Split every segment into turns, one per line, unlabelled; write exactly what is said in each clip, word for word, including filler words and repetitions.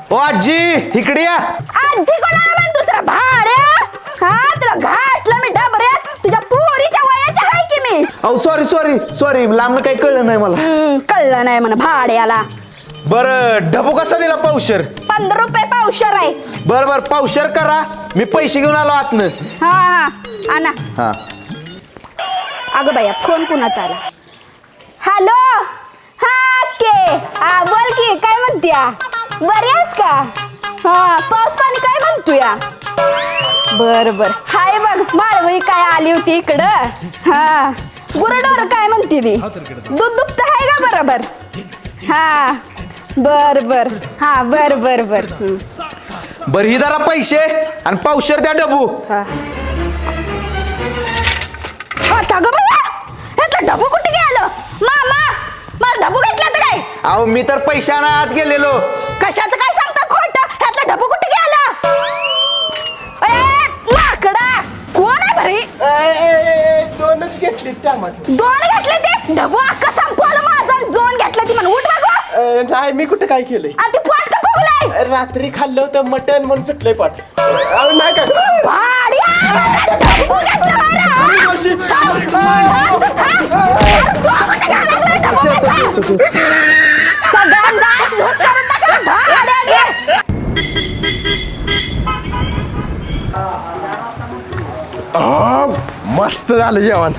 ओ आजी इकडे या.
आजी कोणाला म्हण दुसरा भाड्या हा तुला घातलं मी डबऱ्यात तुझ्या पोरीच्या वयाच्या आहे की मी.
अहो सॉरी सॉरी सॉरी लांब काही कळलं नाही मला.
हम्म, कळलं नाही म्हणा भाड्याला.
बरं ढबू कसा दिला पावशर?
पंधरा रुपये पावशर आहे.
बर बर पावशर करा मी पैसे घेऊन आलो आतनं.
हा हा आणा.
हा
अगं बाया फोन कुणाचा आला? हॅलो हा के हा बोल की काय म्हणत्या बरी आहेस का? हा पाऊस पाणी काय म्हणतोया? बर बर हाय बघ माळवई काय आली होती इकडं. हा गुरडोर काय म्हणते ती दूध दुभत आहे का बरोबर? हा बर बर हा बर बर बर
बर ही जरा पैसे आणि पावशर द्या डबू.
हा आता ग बया ह्यातलं ढबू कुठे गेलं? मामा मला ढबू घेतला तर काय?
अहो मी तर पैशाना आत गेलेलो.
कशाचं काय सांगता खोटं? ह्यातलं ढबू कुठे गेलं? ए माकडा कोण आहे भरी?
दोनच घेतली टमाटर.
दोन घेतले ते ढबू अख्खा संपवलं माझं. दोन घेतलं ती म्हणून उठ मागो.
नाही मी कुठे काय केलंय?
आणि ती पाट का फुगलाय?
रात्री खाल्लं होतं मटन म्हणून सुटलंय पाठ. अहो नाही काय
भाड्या ढबू घेतलं बरं. थांब, थांब, थांब. अरे तू कुठे घालायला लागलाय ढबू घेतला? सगळ्यांना धूत करून टाकलं भाड्या घे.
मस्त झालं जेवण.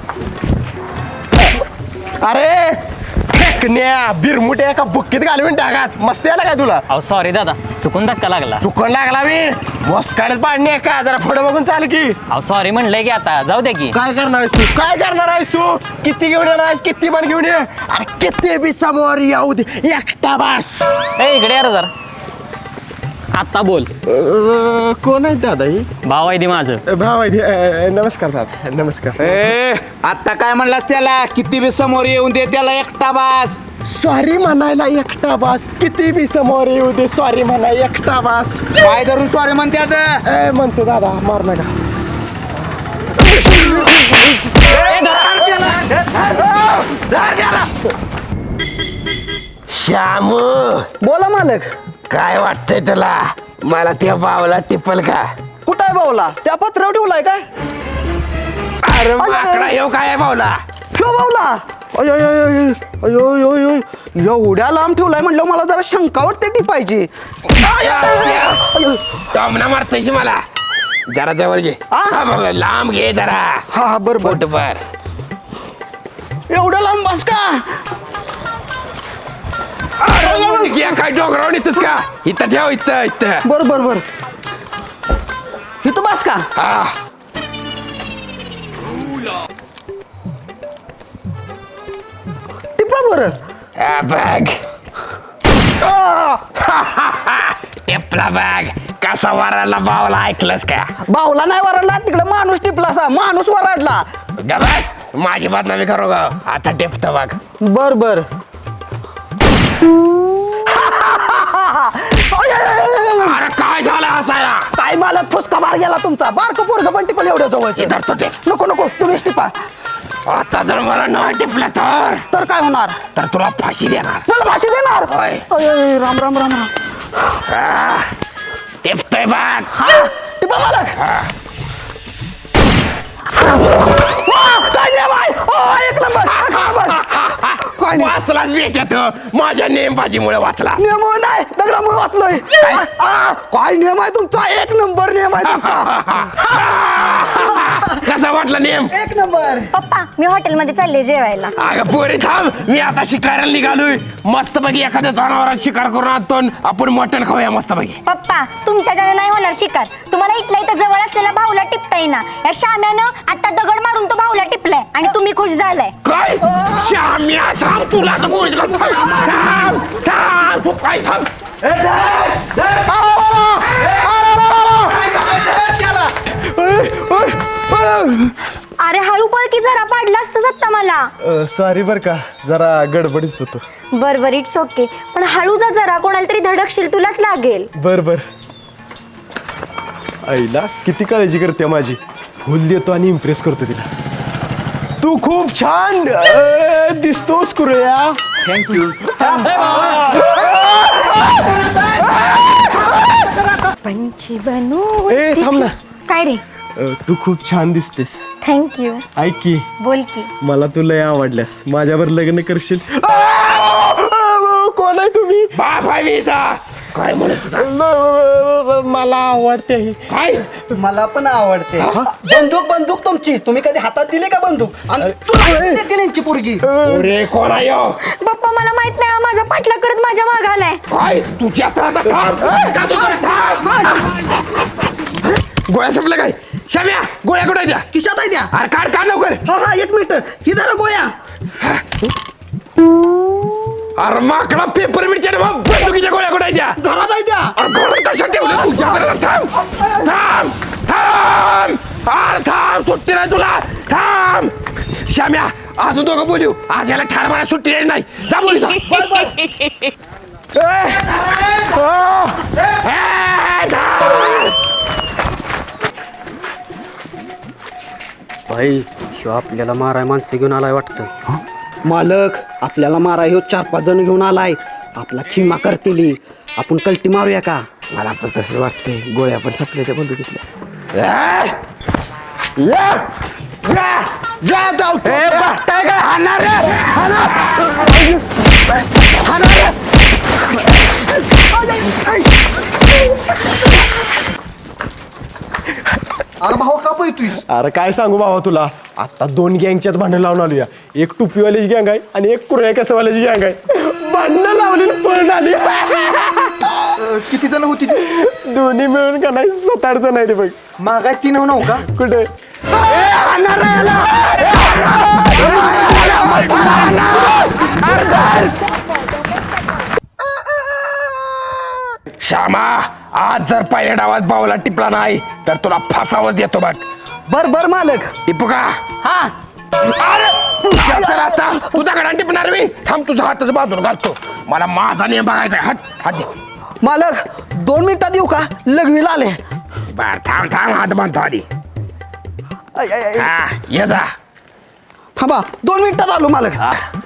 अरे फेकण्या बिरमुट्या एका बुक्कीत घालून टाकात. मस्त याला काय तुला?
अहो सॉरी दादा चुकून धक्का लागला.
चुकून लागला मी मस्काडत पाडणे का जरा पुढे बघून चाल की.
अहो सॉरी म्हणलंय की आता जाऊ दे की.
काय करणार आहेस तू? काय करणार आहेस तू? किती घेऊन येणार आहेस? किती पण घेऊन ये. अरे किती बी समोर येऊ दे एकटा बस.
ए इकडे यार जरा आता बोल.
कोण आहे दादा ही?
भाव आहे ती माझं.
भाव आहे. नमस्कार दादा नमस्कार. ए आता काय म्हणलास त्याला? किती बी समोर येऊन दे त्याला एकटा बास. सॉरी म्हणायला एकटा बास. किती बी समोर येऊ दे सॉरी म्हणा एकटा बास. काय धरून सॉरी म्हणते आता? म्हणतो दादा मार नका.
श्यामू
बोला मालक.
काय वाटतंय तुला? मला त्या बावला टिपल का?
कुठं आहे भाऊला? त्या पत्रावर ठेवलाय काय?
अरे माकडा येऊ काय बावला?
ठेव भाऊला. अयो अयो अयो अयो अयो अयो एवढ्या लांब ठेवलाय म्हणलं मला जरा शंका वाटते ती पाहिजे.
टॉमना मारतायशी मला. जरा जवळ घे.
हा?
हा बाबा, लांब घे जरा.
हा हा बरं बरं.
पोटभर.
एवढ्या लांब बस का?
अरे मुलगी, काय डोंगरावर येतस का? इथं ठेव इथं इथं.
बर बर बर इथं बस का?
हा
टिपा बरं.
हा, बघ. टिपला बघ. कसा वराला बावला ऐकलंस का?
भाऊला नाही वरडला तिकडे माणूस टिपला सा. माणूस वरडला.
गबस माझी बदनामी करू ग. आता टिपत बघ.
बर बर.
अरे काय झालं हसायला?
काय मालक फुसका मार गेला तुमचा. बारक पोरग पण टिपल एवढ्या जवळचे.
इधर तो टिप.
नको नको तुम्हीच टिपा.
आता जर मला न टिपलं तर
तर काय होणार?
तर तुला फाशी देणार.
मला भाषी देणार?
होय.
अय, अय, राम राम राम राम.
आ, टिपतोय बघ.
हा टिपा मालक. वा, काय नियम आहे? ओ, एक नंबर एक नंबर. काय नियम?
वाचलाच भेटत माझ्या नेमबाजीमुळे वाचलास.
नियम नाही दगडामुळे वाचलोय. आ, काय नियम आहे तुमचा? एक नंबर नियम आहे तुमचा.
कसा वाटला नेम?
एक नंबर.
पप्पा मी हॉटेलमध्ये चालले जेवायला.
अगं पोरी थांब. मी आता शिकारायला निघालोय. मस्त पैकी एखाद्या जनावरात शिकार करून आणतो. आपण मटण खाऊया मस्त पैकी.
पप्पा तुमच्याच्याने नाही होणार शिकार. तुम्हाला इथल्या इथं जवळ असलेला भाऊला टिपता येईना. या शाम्यानं आता दगड मारून तो भाऊला टिपलाय आणि तुम्ही खुश झालाय.
काय? श्याम्या थांब. तुला तर गोळीच घाल. थांब थांब तू काय थांब.
अरे हळू पळ की जरा पाडला असतं सत्ता मला.
सॉरी बर का जरा गडबडीत होतो.
बर बर इट्स ओके. पण हळू जा जरा. कोणाला तरी धडकशील तुलाच लागेल.
बर बर. आईला किती काळजी करते माझी. फुल देतो आणि इम्प्रेस करतो तिला. तू खूप छान दिसतोस कुरळ्या. थँक्यू.
पंछी बनू
ए थांब ना.
काय रे
अ, तू खूप छान दिसतेस.
थँक्यू
ऐक की
बोल की
मला तू लय आवडल्यास. माझ्यावर लग्न करशील? कोण आहे तुम्ही?
बाप आहे मी जा. काय म्हणत होता?
मला आवडते ही.
काय
मला पण आवडते बंदूक बंदूक तुमची तुम्ही कधी हातात दिली का बंदूक आणि तुला देते त्यांची पोरगी
अरे कोण आहे ह्यो?
पप्पा मला माहित नाही हा माझा पाठला करत माझ्या माग आलाय
काय तुझ्या तर आता थांब. का तू जरा थांब. गोळ्या संपल्या काय? शाम्या गोळ्या कुठे द्या?
किशात आहे द्या
अरे काढ काढ लवकर.
हा हा एक मिनिट ही जरा गोया
अरे माकडा पेपर मिरच्या रे बाप. बंदुकीच्या गोळ्या कुठे द्या?
घरात आहे द्या
अरे घरात कशा ठेवलं तुझ्या घरात? थांब थांब थांब. अरे थांब सुट्टी नाही तुला. थांब शाम्या अजून दोघं बोलू. आज याला ठार मारा सुट्टी द्यायची नाही. जा बोलू जा.
भाई शिव आपल्याला माराय माणसं घेऊन आलाय वाटतं.
मालक आपल्याला मारा ह्यो चार पाच जण घेऊन आलाय आपला खिमा करतील आपण कल्टी मारूया का
मला पण तसं वाटतंय. गोळ्या पण संपल्या त्या बंदुकीतल्या.
अरे भाऊ का पैतुय
अरे काय सांगू बाबा तुला. आता दोन गँगच्यात भांडण लावून आलोया. एक टुपीवाल्याची गँग आहे आणि एक कुरण्या कसवाल्याची गँग आहे. भांडणं लावली पळून आली.
किती जण होती
दोन्ही मिळून का नाही सात आठ जण आहे ते बघ.
मागाय तीन हो नऊ का
कुठे?
श्यामा आज जर पहिल्या डावात बावला टिपला नाही तर तुला फासावर देतो बघ.
बर बर मालक
टिपू का?
हा
अरे तुझ्या तर आता तू दगडाने टिपणार मी. थांब तुझा हातच बांधून घालतो. मला माझा नियम बघायचा आहे. हात हात दे.
मालक दोन मिनिटात येऊ का लग्नीला आले
बर थांब थांब हात बांधतो आधी.
आय, आय, आय.
हा ये जा.
थांबा दोन मिनिटात आलो मालक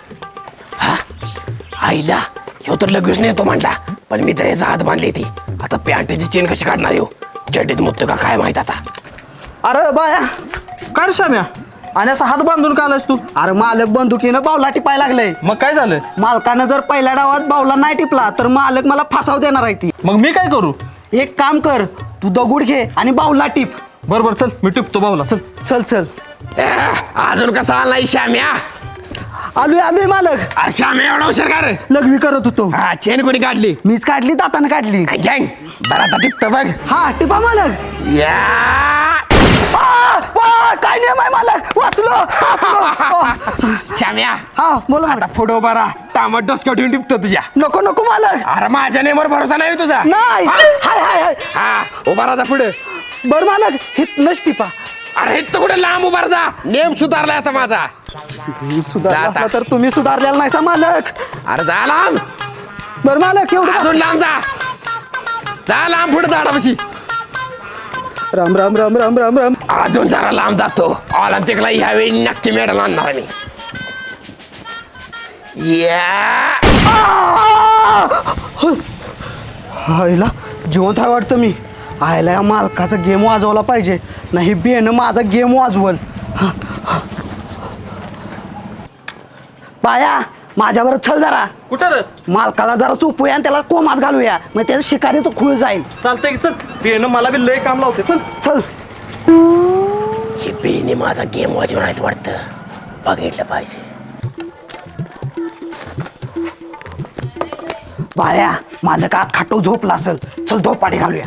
आईला ह्यो तर लगेच नेतो म्हणला पण मी तर याचा हात बांधली ती. आता पॅन्टची चेन कशी काढणार येऊ? चड्डीत मुततो का काय माहित आता.
अरे बाया
काढ शाम्या आणि असा हात बांधून का आलास तू?
अरे मालक बंदुकीनं बावला टिपाय लागलंय
मग काय झालं?
मालकानं जर पहिल्या डावात बावला नाही टिपला तर मालक मला फासाव देणार आहे ती
मग मी काय करू?
एक काम कर तू दगुड घे आणि बावला टिप
बरोबर चल मी टिपतो बाऊला चल.
चल चल
ए, अजून कसा आला नाही श्याम्या?
आलोय आलोय मालक
अरे श्याम्या एवढा हुशार का रे?
लग्नी करत होतो
हा चेन कोणी काढली?
मीच काढली दातानं काढली
गँग बरं आता टिपतो बघ.
हा टिपा मालक
या
आ, आ, काय नियम आहे मालक वाचलो वाचलो. आ,
श्याम्या
हा बोला
आता
मालक
फोटो बरा टामट डोसक्यावर ठेवून टिपतो तुझ्या.
नको नको मालक
अरे माझ्या नेमवर भरोसा नाही तुझा.
नाही
हा?
हाय हाय हाय
हा उभा राहा पुढे.
बर मालक हितनच टिपा
अरे तो कुठे लांब उभा जा. नेम सुधारलाय आता माझा.
मी सुधारला
जा आता.
असला तर तुम्ही सुधारलेला नाही सा मालक
अरे जा लांब.
बर मालक एवढं
अजून लांब जा. जा लांब पुढे झाडापाशी.
राम राम राम राम राम राम
अजून जरा लांब जातो. ऑलिम्पिकला यावेळी नक्की मेडल आणणार आहे मी. या
आईला जिवंत आहे वाटतं मी आयला या मालकाचा गेम वाजवला पाहिजे नाही बेनं माझा गेम वाजवल पाया माझ्यावर चल जरा
कुठं रे?
मालकाला जरा चुपूया आणि त्याला कोमात घालूया मग त्याचं शिकारीचं खूळ जाईल
चालतंय की चल. पेन मला बी लय काम लावते चल.
चल
हे बेने माझा गेम वाजवणार आहेत वाटतं. बघितलं पाहिजे.
बाया मालक आत खाटो झोपला असेल चल झोपाटी घालूया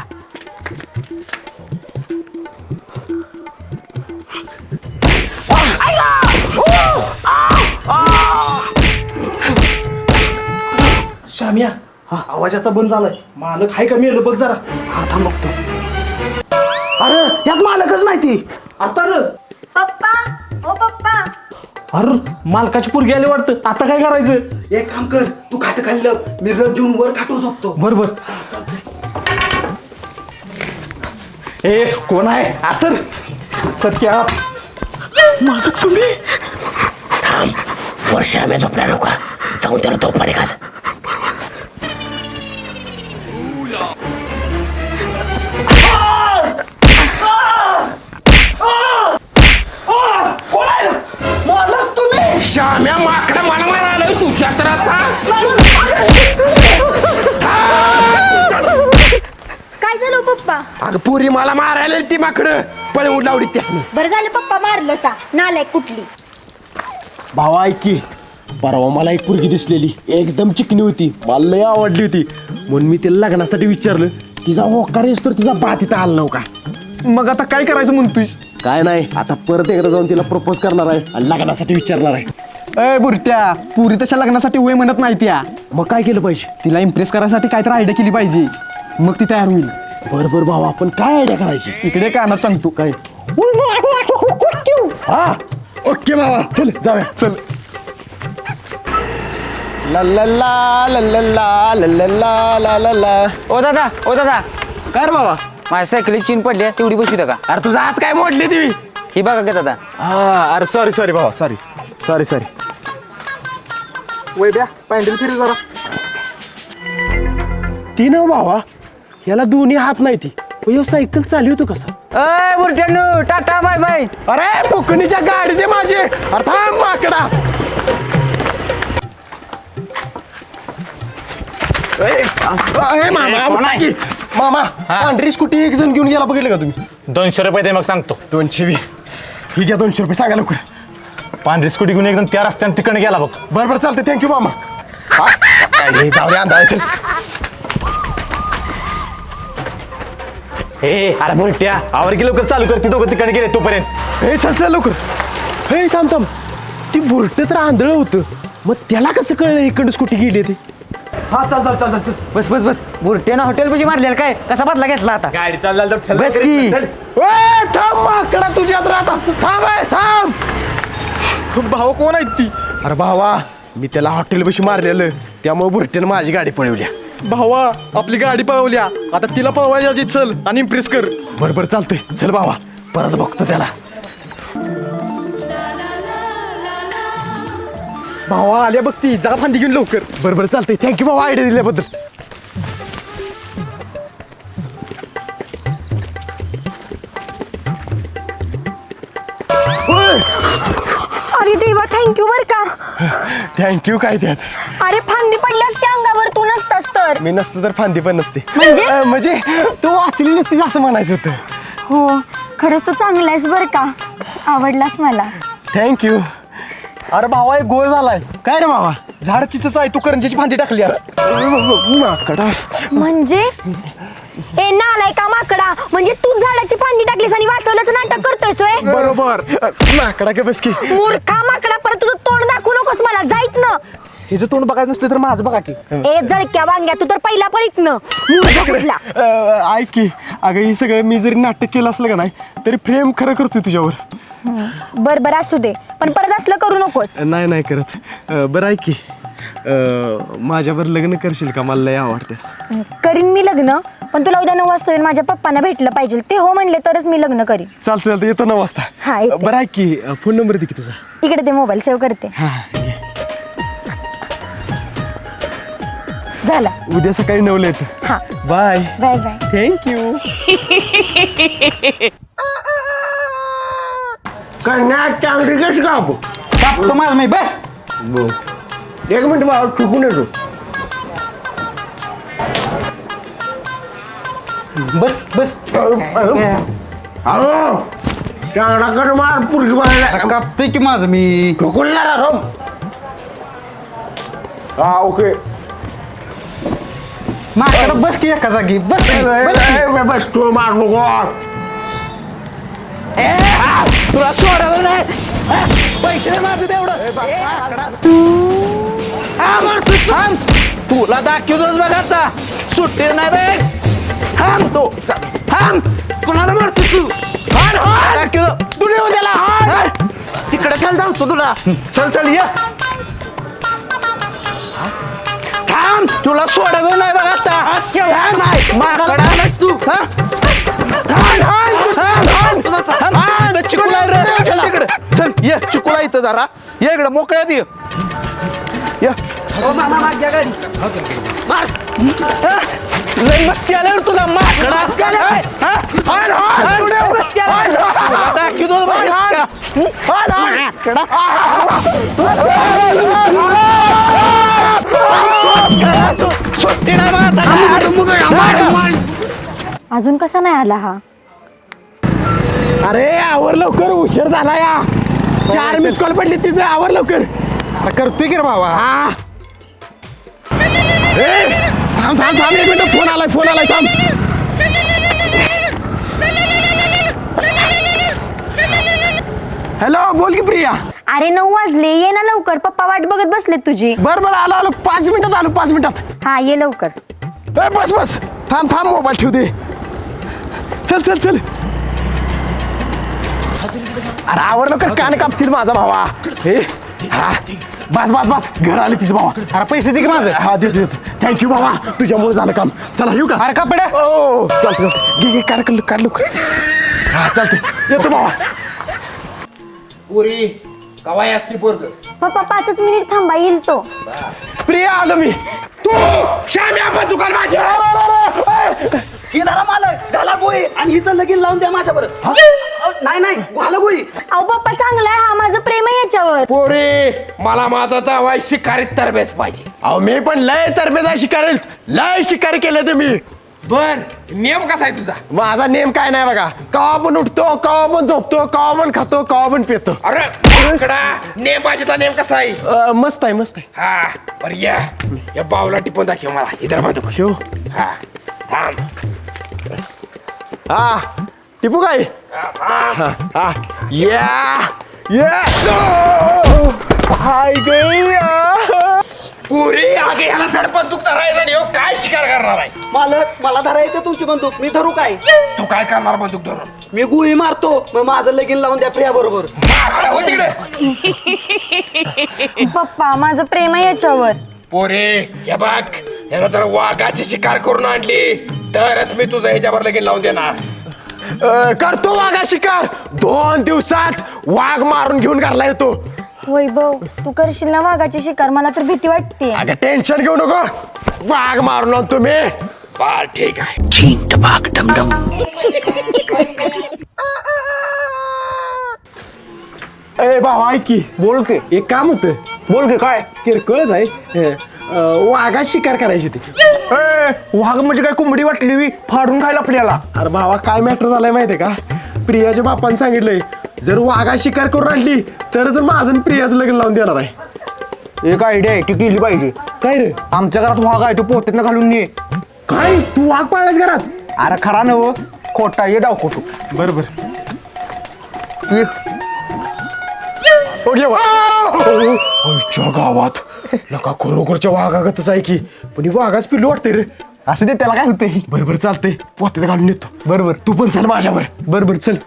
शाम्या आवाजाचा बंद झालाय. मालक हाय का मेलं बघ जरा.
हा थांब बघतो अरे यात मालकच नाही ती
आता र
पप्पा ओ पप्पा
अरे मालकाची पोरगी आली वाटतं. आता काय करायचं?
एक काम कर तू खाट खाल्लं मी रग घेऊन वर खाटो झोपतो
बरोबर. ए कोण आहे? असर सत्या
मालक तुम्ही
थांब वर श्याम्या झोपल्या नका. जाऊन त्याला धोपाने घाल. श्याम्या माकडा मला मारायला तुझ्या तर आता
काय झालं पप्पा?
अगं पुरी मला मारायला ती माकडं पळवून लावली त्यासनी.
बरं झालं पप्पा मारलं सा नालायक कुठली.
भावा ऐक की, परवा मला एक पोरगी दिसलेली एकदम चिकनी होती, मला लय आवडली होती. म्हणून मी तिला लग्नासाठी विचारलं. तिचा होकार येस तर तिचा बात इथं आला नव्हता.
मग आता काय करायचं म्हणतोयस?
काय नाही, आता परत एकदा जाऊन तिला प्रपोज करणार आहे आणि लग्नासाठी विचारणार आहे.
ए बुरट्या, पुरी तशा लग्नासाठी वय म्हणत नाही त्या.
मग काय केलं पाहिजे?
तिला इम्प्रेस करायसाठी काहीतरी आयडिया केली पाहिजे, मग ती तयार होईल.
बरं बरं भावा, आपण काय आयडिया करायची?
इकडे कानात सांगतो.
काय? हा ओके बाबा, चल जाऊया.
चल.
ला ला ला ला ला ला ला ला ला ला ला ला.
ओ दादा ओ दादा
काय रे बाबा?
माझ्या सायकली चीन पडली आहे, तेवढी बसू का?
अरे तुझा हात काय मोडली ती?
ही बघा का दादा.
हा अरे सॉरी सॉरी भावा, सॉरी सॉरी सॉरी.
वय द्या पॅन्डल फिरी जरा.
ती ना भावा, याला दोन्ही हात नाही ती, पण सायकल चालवतो कसा?
अय बुरट्यानो टाटा बाय बाय.
अरे फुकणीच्या गाडी दे माझी. अरे थांब माकडा. ए, ए, मामा मामा, मामा पांढरी स्कूटी एक जण घेऊन गेला, बघितलं का तुम्ही?
दोनशे रुपये दे मग सांगतो.
दोनशे बी ही घ्या, दोनशे रुपये सांगा लवकर.
पांढरी स्कूटी घेऊन एकदम त्या रस्त्याने तिकडे गेला बघ.
बरं बरं चालतंय, थँक्यू मामा. हा? काय जाऊ दे, अंदाज.
हे अरे बोलट्या, आवर की लवकर चालू कर, ती दोघं तिकडे गेले तोपर्यंत.
हे चल चल लवकर. हे थांब थांब, ती बुरट तर आंधळ होतं, मग त्याला कसं कळलं इकडं स्कूटी गेली ती?
हा चल चल चल चल.
बस बस बस बुरट्यानं हॉटेल पाशी मारलेला काय, कसा बदला घेतला आता?
गाडी चालला तर
बस की.
ए, थांब माकडा, तुझ्यात राहता. थांब ए, थांब.
भाऊ कोण आहेत ती?
अरे भावा, मी त्याला हॉटेल बशी मारलेलं, त्यामुळे बुरट्यानं माझी गाडी पळवल्या.
भावा आपली गाडी पळवल्या, आता तिला पळवायची चल आणि इम्प्रेस कर.
बरं बरं चालतंय, चल भावा परत बघतो त्याला.
भावा आल्या बघ ती, जा फांदी घेऊन लवकर.
बरं बरं चालतंय, थँक्यू भावा आयडिया दिल्याबद्दल.
अरे देवा थँक्यू बर का.
थँक्यू काय त्यात?
अरे फांदी पडल्यास त्या अंगावर तू नसतास तर.
मी नसतं तर फांदी पण नसते.
म्हणजे?
अं, म्हणजे तू वाचली नसतीस असं म्हणायचं होतं.
हो खरंच तू चांगला आहेस बर का, आवडलास मला.
थँक्यू.
अरे भावा एक गोळ झालाय.
काय रे भावा?
झाड चिचच आहे, तू करंजीची फांदी टाकली.
माकडा.
म्हणजे ए नालाय का माकडा, म्हणजे तू झाडाची फांदी टाकलीस आणि वाचवल्याचं नाटक करतोय सोय.
बरोबर. अं, माकडा का बस की.
मूर्खा माकडा, परत तुझं तोंड दाखवू नकोस मला, जाईत ना.
हिचं तोंड बघायचं नसलं तर माझं बघा की.
ए जळक्या वांग्या, तू तर पहिला पळीत न मूर्ख कुठला.
अं, ऐक की, अगं ही सगळं मी जरी नाटक केलं असलं का नाही तरी प्रेम खरं करतोय तुझ्यावर.
बर बर असू दे, पण परत असलं करू नकोस.
नाही नाही करत. अं, बरं ऐक की, अं, माझ्यावर लग्न करशील का? मला लय आवडतेस.
करीन मी लग्न, पण तुला उद्या नऊ वाजता येऊन माझ्या पप्पांना भेटलं पाहिजे, ते हो म्हणले तरच मी लग्न करीन.
चालतं चालतं, येतो नऊ वाजता.
हा, येते.
बरं ऐक की, फोन नंबर दे की तुझा.
इकडे ते मोबाईल सेव्ह करते.
हा ये.
झाला.
उद्या सकाळी नऊला येतो.
हा
बाय.
Bye bye.
थँक्यू. कन्या चांगली कशी कापू?
कापतो माझं मी, बस.
एक मिनिट बाबा, चुकून येतो.
बस बस.
अहो चांगला कर मार, पुरगी बाळाला
कापतोय की माझं मी.
चुकून ना रोम. हा ओके.
माझ्याकडे बस की एका जागी, बस की, बस की.
बस तू मार नको. तुला सोडलं नाही, पैसे नाही माझं तेवढं. तुला दाखवतोच बघ आता, सुट्टी नाही बे. थांब तो, थांब. कुणाला मारतो तू? दाखवतो तू, नेऊ त्याला. तिकडे चल, जाऊ तो तुला. चल चल ये. थांब, तुला सोडायचं नाही बघ आता. माकडा तू. चिकुला चल तिकडे, चल ये चिकुला इथं जरा ये, इकडे मोकळ्यात ये. लय मस्ती आल्यावर तुला माकडा. दाखवतो सुट्टी नाही मला.
अजून कसा नाही आला हा?
अरे आवर लवकर, उशीर झाला या. चार मिस कॉल पडली तिचं, आवर लवकर.
करतोय की रे बाबा.
हा ए, थांब थांब थांब एक मिनिट, फोन आलाय फोन आलाय थांब. हॅलो, बोल की प्रिया.
अरे नऊ वाजले, ये ना लवकर, पप्पा वाट बघत बसलेत तुझी.
बर बर आलो आलो, पाच मिनिटात आलो, पाच मिनिटात.
हा ये लवकर.
ए, बस बस, थांब थांब, मोबाईल ठेव दे. चल चल चल. अरे आवर लवकर, कान कापशील माझा भावा. हे हा बस बस बस, घर आले तिचं भावा.
अरे पैसे दे की माझं.
हा देतो देतो, थँक्यू भावा, तुझ्यामुळे झालं काम. चला येऊ का?
अरे कपडे.
ओ चालतं चालतं, घे घे, काढ काढ काढ लवकर. हा चालतं, येतो भावा.
पुरी कवाय असती पोरग.
पप्पा पाचच मिनिट थांबा, येईल तो.
प्रिया आलो मी.
तू श्याम्या पण दुकान माझ्या.
ही धरा मालक, घाला गोळी आणि हिचं लगीन लावून द्या माझ्यावर. नाही नाही, घाला गोळी.
अहो पप्पा चांगला आहे हा, माझं प्रेम आहे याच्यावर.
पोरी मला माझा जावाय शिकारीत तरबेज पाहिजे.
अहो मी पण लय तरबेजा शिकारी, लय शिकारी केलं तुम्ही.
बर नियम कसा आहे तुझा?
माझा नेम काय नाही बघा, कवा पण उठतो, कवा पण झोपतो, कवा पण खातो, कवा पण पितो.
अरे आकडा नेम पाहिजे, नेम कसा आहे?
अ, मस्त आहे मस्त आहे.
हा बर या या बावला टिपून दाखव मला. इधर बांधू.
ह्यो
हा थांब.
हा टिपू काय?
हा, थांब.
हा हा या या. हाय गया.
पुरी आगे याला धडपण चुकता राहिला नाही हो. काय शिकार करणार आहे?
मालक मला धरा येते तुमची बंदूक, मी धरू काय?
तू काय करणार बंदूक धरून?
मी गुळी मारतो, मग माझं लगीन लावून द्या प्रिया बरोबर.
माकडा हो तिकडे.
पप्पा माझं प्रेम आहे याच्यावर.
पोरे हे बघ, याला जर वाघाची शिकार करून आणली तरच मी तुझं ह्याच्यावर लगीन लावून देणार.
अ, करतो वाघा शिकार. दोन दिवसात वाघ मारून घेऊन घरला येतो.
वैभव तू करशील ना वाघाची शिकार? मला तर भीती वाटते.
अगं टेन्शन घेऊ नको, वाघ मारून आणतो मी.
बर ठीक आहे.
ए भावा ऐक की.
बोल की.
एक काम होतं.
बोल की काय?
किरकोळच आहे. अ, वाघा शिकार करायची ती.
ए, वाघ म्हणजे काय कोंबडी वाटली वी फाडून खायला आपल्याला?
अरे भावा काय मॅटर झालाय माहितीये का, प्रियाच्या बापाने सांगितलंय जर वाघा शिकार करून आणली तर जर माझं आणि प्रियाचं लग्न लावून देणार आहे.
एक आयडिया आहे, ती केली पाहिजे.
काय रे?
आमच्या घरात वाघ आहे, तो पोत्यात घालून ये.
काय तू वाघ पाळलास घरात?
अरे खरा नव खोटा ये डाव खोटू.
बरोबर.
ये.
गावात नका खरोखरच्या वाघागतच आहे की, पण ही वाघाच पिल्लू वाटतंय रे.
असं ते त्याला काय होते.
बरोबर चालतंय, पोत्यात घालून येतो.
बरोबर.
तू पण चल माझ्यावर. बरोबर चल.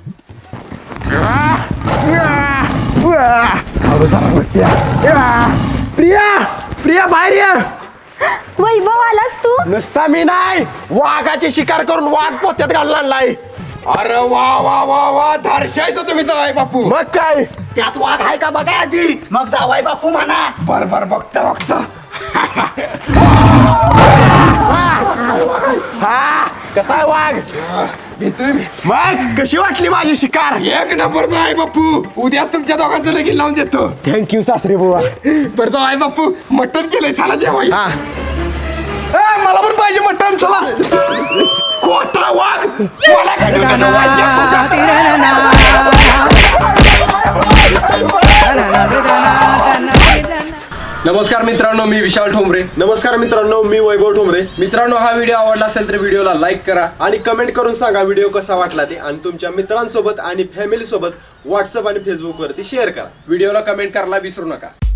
प्रिया प्रिया बाहेर ये.
वैभव आलास तू?
नुसता मी नाही, वाघाची शिकार करून वाघ पोत्यात घालून आणलाय.
अरे वा वा वा वा, धारशायचं तुम्ही जावाय बापू.
मग काय?
त्यात वाघ आहे का बघा आधी, मग जावाय बापू म्हणा.
बर बर बघता बघता.
हा कसा आहे वाघ?
भेटतोय मी.
मग कशी वाटली माझी शिकार?
एक नंबरचा आहे बापू. उद्याच तुमच्या दोघांचं लगीन लावून देतो.
थँक्यू सासरे बुवा.
बरं जाऊ आहे बापू, मटण केलंय, चला जेवाय.
हा ए, मला पण पाहिजे मटण. चला.
खोटा वाघ मला काय डोक्याचं वाद्य नमस्कार मित्रांनो, मी विशाल ठोंबरे.
नमस्कार मित्रांनो, मी वैभव ठोंबरे.
मित्रांनो, हा व्हिडिओ आवडला असेल तर व्हिडिओला लाईक करा
आणि कमेंट करून सांगा व्हिडिओ कसा वाटला ते, आणि तुमच्या मित्रांसोबत आणि फॅमिली सोबत व्हॉट्सअप आणि फेसबुक वरती शेअर करा.
व्हिडिओला कमेंट करायला विसरू नका.